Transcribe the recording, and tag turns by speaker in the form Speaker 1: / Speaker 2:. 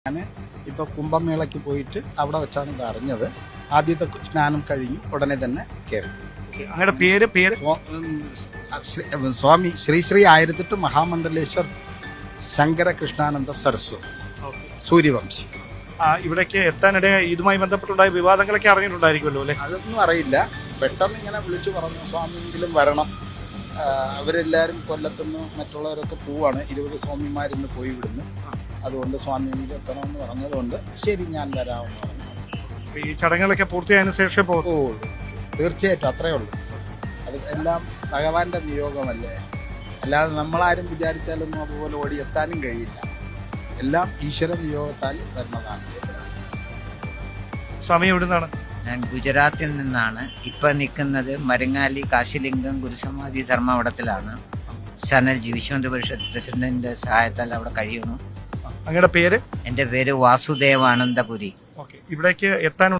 Speaker 1: ഞാൻ ഇപ്പോൾ കുംഭമേളയ്ക്ക് പോയിട്ട് അവിടെ വെച്ചാണ് ഇത് അറിഞ്ഞത്. ആദ്യത്തെ സ്നാനം കഴിഞ്ഞു ഉടനെ തന്നെ കയറി.
Speaker 2: അങ്ങയുടെ പേര്
Speaker 1: സ്വാമി ശ്രീ ശ്രീ 1008 മഹാമണ്ഡലേശ്വർ ശങ്കരകൃഷ്ണാനന്ദ സരസ്വതി സൂര്യവംശി.
Speaker 2: ഇവിടേക്ക് എത്താനിടെ ഇതുമായി ബന്ധപ്പെട്ടുണ്ടായ വിവാദങ്ങളൊക്കെ അറിഞ്ഞിട്ടുണ്ടായിരിക്കുമല്ലോ അല്ലേ?
Speaker 1: അതൊന്നും അറിയില്ല. പെട്ടെന്ന് ഇങ്ങനെ വിളിച്ചു പറഞ്ഞു സ്വാമിയെങ്കിലും വരണം. അവരെല്ലാവരും കൊല്ലത്തുനിന്ന് മറ്റുള്ളവരൊക്കെ പോവാണ്. 20 സ്വാമിമാരിന്ന് പോയി വിടുന്നു. അതുകൊണ്ട് സ്വാമിയെങ്കിലും എത്തണമെന്ന് പറഞ്ഞതുകൊണ്ട് ശരി ഞാൻ വരാമെന്ന് പറഞ്ഞു.
Speaker 2: ഈ ചടങ്ങുകളൊക്കെ പൂർത്തിയായതിനു ശേഷം
Speaker 1: ഓ തീർച്ചയായിട്ടും അത്രയേ ഉള്ളൂ. അത് എല്ലാം ഭഗവാന്റെ നിയോഗമല്ലേ. അല്ലാതെ നമ്മളാരും വിചാരിച്ചാലൊന്നും അതുപോലെ ഓടിയെത്താനും കഴിയില്ല. എല്ലാം ഈശ്വര നിയോഗത്താൽ വരുന്നതാണ്.
Speaker 2: സ്വാമി എവിടുന്നാണ്?
Speaker 3: ഞാൻ ഗുജറാത്തിൽ നിന്നാണ്. ഇപ്പം നിൽക്കുന്നത് മരങ്ങാലി കാശിലിംഗം ഗുരുസമാധി ധർമ്മവടത്തിലാണ്. സനൽജി വിശ്വന്ത പരിഷത്ത് പ്രസിഡന്റിന്റെ സഹായത്താൽ അവിടെ കഴിയണു.
Speaker 2: അങ്ങയുടെ പേര്?
Speaker 3: എൻ്റെ പേര് വാസുദേവാനന്ദപുരി.
Speaker 2: ഇവിടേക്ക് എത്താൻ